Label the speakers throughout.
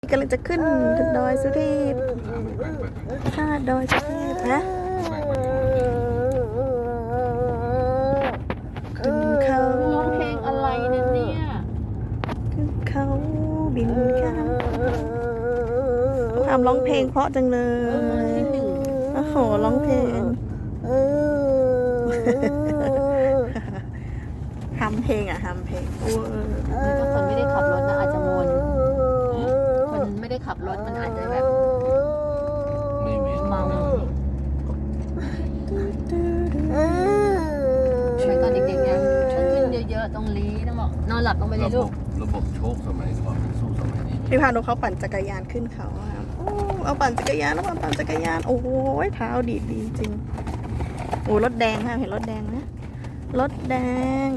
Speaker 1: กำลังจะขึ้นดอยสุเทพค่ะดอยสุเทพนะขึ้นเขา
Speaker 2: ร้องเพลงอะไรเนี่ย
Speaker 1: ขึ้นเขาบินกันทำร้องเพลงเพราะจังเลยโอ้โหร้องเพลงทำเพลงทำเพลง
Speaker 2: ถ้าคนไม่ได้ขับรถนะอาจจะวนคนไม่ได้ขับรถมันอาจจะแบบ
Speaker 3: ไม่มี
Speaker 2: เมาใช้ตอนเด็กๆยังต้องขึ้นเยอะๆต้องลีต้องบอกนอนหลับต้องไปเลยลูก
Speaker 3: ระบบโชคสมัยก่อนสู้สมัยนี้
Speaker 1: พี่พานุเขาปั่นจักรยานขึ้นเขาครับโอ้เอาปั่นจักรยานแล้วปั่นจักรยานโอ้โหเท้าดีจริงโอ้รถแดงค่ะเห็นรถแดงไหมรถแดง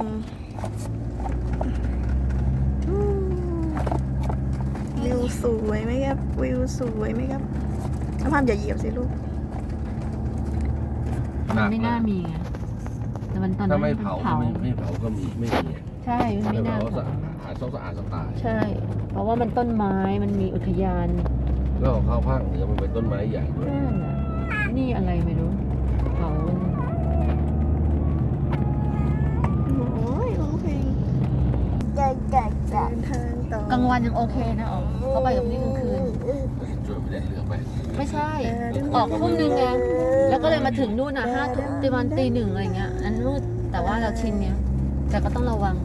Speaker 1: วิวสวยไหมครับวิวสวยไหมครับน้ำพันอย่าเหยียบสิลูก
Speaker 2: มันไม่น่ามีไงแต่มันตอนนั้
Speaker 3: ถ้าน ไม่เผา
Speaker 2: เผา
Speaker 3: ไม่เผาก็มีไม่มี
Speaker 2: ใช่มัน
Speaker 3: ไม่
Speaker 2: ไม่น่า
Speaker 3: เผา
Speaker 2: เผา
Speaker 3: หาซอกสะอาดสไตล์
Speaker 2: ใช่ เพราะว่ามันต้นไม้มันมีอุทยาน
Speaker 3: แล้วของข้าวภาคเหนือมันเป็นต้นไม้ใหญ่ด้วย
Speaker 2: นั่นน่ะนี่อะไรไม่รู้เขามัน
Speaker 1: โอ้ยร้องเพลงเดินทางต่อก
Speaker 2: ลางวันยังโอเคนะอ๋อเขาไปกับนี่กลางคืน
Speaker 3: ช่วยไม่ได้เรือไป
Speaker 2: ไม่ใช่ ออกทุ่มนึงไงแล้วก็เลยมาถึงนู่น5 ทุ่มประมาณตี 1อะไรเงี้ยนั้นมืดแต่ว่าเราชินเนี้ยแต่ก็ต้องระวัง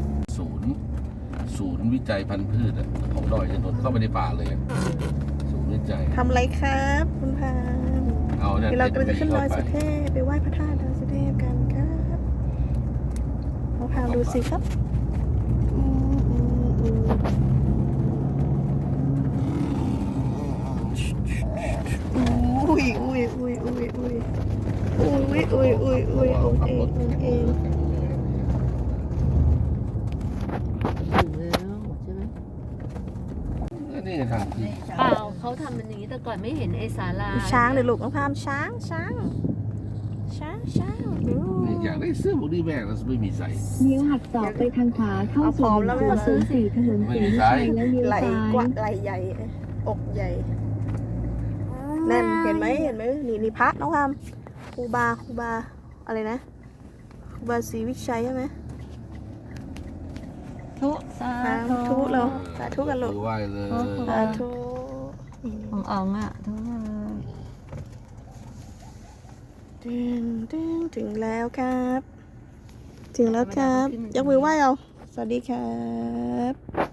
Speaker 3: ศูนย์วิจัยพันธุ์พืชของดอยอินทนนท์เข้าไปในป่าเลยศูนย์วิจัย
Speaker 1: ทำอะไรครับคุณพาน
Speaker 3: เอาเนี่ย
Speaker 1: เดี๋ยวเรากำลังจะขึ้นดอยสุเทพไปไหว้พระธาตุดอยสุเทพกันครับเอาพาดูสิครับอุ้ยอุ้ยอุ้ยอุ้ยอุ้ยอุ้ยอุ้ยอุ้ยอุ้ยองเององเอง
Speaker 2: ถึงแล้วใช่ไหม
Speaker 3: นี่ทางที่
Speaker 2: เปล่าเขาทำมันอย่างนี้แต่ก่อนไม่เห็นไอ้ศาลา
Speaker 1: ช้างเลยลูกน้องพามช้างช้างดู
Speaker 3: อยากได้เสื้อพวกนี้แม่แล้วไม่มีใส่
Speaker 4: เลี้ยวหักศอกไปทางขวาเข้าสู่104ถนนศรีวิชัยแล้วเลี้ยว
Speaker 1: ไหล
Speaker 4: ซ้าย
Speaker 1: กว่าไหลใหญ่อกใหญ่นั่นเห็นไหมนี่พระน้องพามครูบาอะไรนะครูบาศรีวิชัยใช่ไหม
Speaker 2: ทุสา
Speaker 1: สาธุเราสาธุกันลูก
Speaker 3: ไหว้เลย
Speaker 1: สาธุ
Speaker 2: ของอ๋องอ่ะทุกเลย
Speaker 1: ถึงแล้วครับ ถึงแล้วครับยกมือไหว้เอาสวัสดีครับ